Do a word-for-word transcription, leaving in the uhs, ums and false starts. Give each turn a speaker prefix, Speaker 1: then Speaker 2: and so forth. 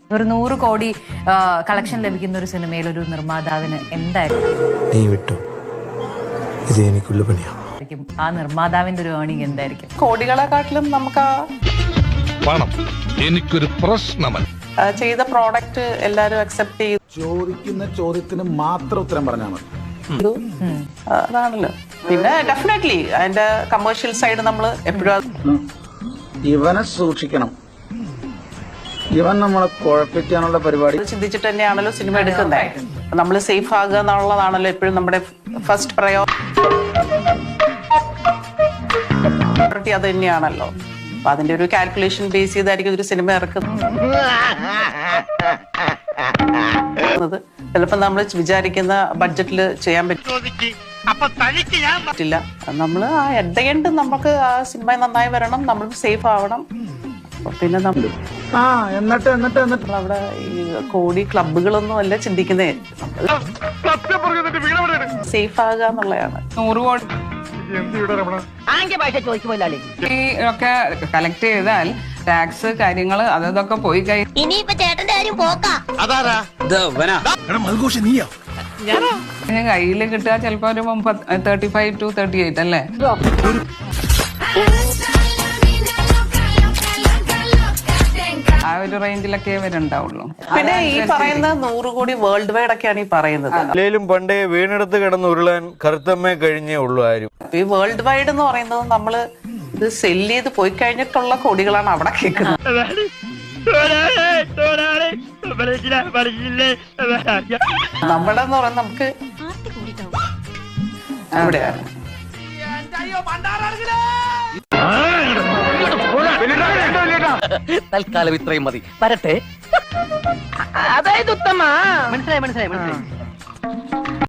Speaker 1: ഒരു നൂറ് കോടി കളക്ഷൻ ലഭിക്കുന്ന ഒരു സിനിമയിൽ ഒരു നിർമ്മാതാവിന് എന്തായിരിക്കും
Speaker 2: നീ വിട്ടു ഇത് എനിക്കുള്ള പണിയാ
Speaker 1: ആ നിർമ്മാതാവിന്റെ ഒരു ഏർണിംഗ് എന്തായിരിക്കും?
Speaker 3: കോടികളെക്കാട്ടിലും നമുക്ക്
Speaker 4: പണം എനിക്കൊരു പ്രശ്നമല്ല.
Speaker 3: ചെയ്ത പ്രോഡക്റ്റ് എല്ലാരും അക്സെപ്റ്റ് ചെയ്തു.
Speaker 5: ചോദിക്കുന്ന ചോദ്യത്തിന് മാത്രം ഉത്തരം പറഞ്ഞാൽ മതി.
Speaker 3: അതാണല്ലോ. പിന്നെ ഡെഫിനറ്റ്ലി അതിന്റെ കമേഴ്ഷ്യൽ സൈഡ് നമ്മൾ എപ്പോഴും
Speaker 5: ഇവനെ സൂക്ഷിക്കണം. ഇവൻ നമ്മളെ കുഴപ്പിക്കാനുള്ള പരിപാടി
Speaker 3: ചിന്തിച്ചിട്ട് തന്നെയാണല്ലോ സിനിമ എടുക്കുന്നത്. നമ്മൾ സേഫ് ആകുക എന്നുള്ളതാണല്ലോ എപ്പോഴും നമ്മുടെ ഫസ്റ്റ് പ്രയോറിറ്റി. അത് തന്നെയാണല്ലോ. അപ്പൊ അതിന്റെ ഒരു കാൽക്കുലേഷൻ ബേസ് ചെയ്തായിരിക്കും ഒരു സിനിമ ഇറക്കുന്നത്. ചിലപ്പോ നമ്മൾ വിചാരിക്കുന്ന ബഡ്ജറ്റിൽ ചെയ്യാൻ പറ്റില്ല. നമ്മൾ ആ എട്ട് ദ എൻഡ് നമുക്ക് ആ സിനിമ നന്നായി വരണം, നമ്മൾ സേഫ് ആവണം. പിന്നെ നമ്മൾ
Speaker 5: ആ എന്നിട്ട് എന്നിട്ട് എന്നിട്ട്
Speaker 3: അവിടെ ഈ കോടി ക്ലബുകളൊന്നും അല്ല ചിന്തിക്കുന്നേ. സേഫ് ആകുക എന്നുള്ളതാണ്.
Speaker 6: നൂറ് കോടി ഒക്കെ കളക്ട് ചെയ്താൽ ടാക്സ് കാര്യങ്ങള് അതൊക്കെ പോയി കഴിഞ്ഞാൽ കയ്യിൽ കിട്ടുക ചിലപ്പോ ഒരു thirty five to thirty eight അല്ലേ? ആ ഒരു റേഞ്ചിലൊക്കെ വരുന്നുണ്ടാവുള്ളൂ.
Speaker 3: പിന്നെ ഈ പറയുന്ന നൂറ് കോടി വേൾഡ് വൈഡ് ഒക്കെയാണ് ഈ പറയുന്നത്.
Speaker 7: അല്ലേലും പണ്ടേ വീണെടുത്ത് കിടന്ന് ഉരുളാൻ കറുത്തമ്മേ കഴിഞ്ഞേ ഉള്ളൂ ആരും.
Speaker 3: ഈ വേൾഡ് വൈഡ് എന്ന് പറയുന്നത് നമ്മള് ഇത് സെല് ചെയ്ത് പോയി കഴിഞ്ഞിട്ടുള്ള കോടികളാണ് അവിടെ കേൾക്കുന്നത്. നമ്മുടെ എന്ന് പറയുന്നത് നമുക്ക് എവിടെയാണ്
Speaker 8: തൽക്കാലം ഇത്രയും മതി. വരട്ടെ. അതായത് ഉത്തമ മനസ്സിലായി മനസ്സിലായി മനസ്സിലായി.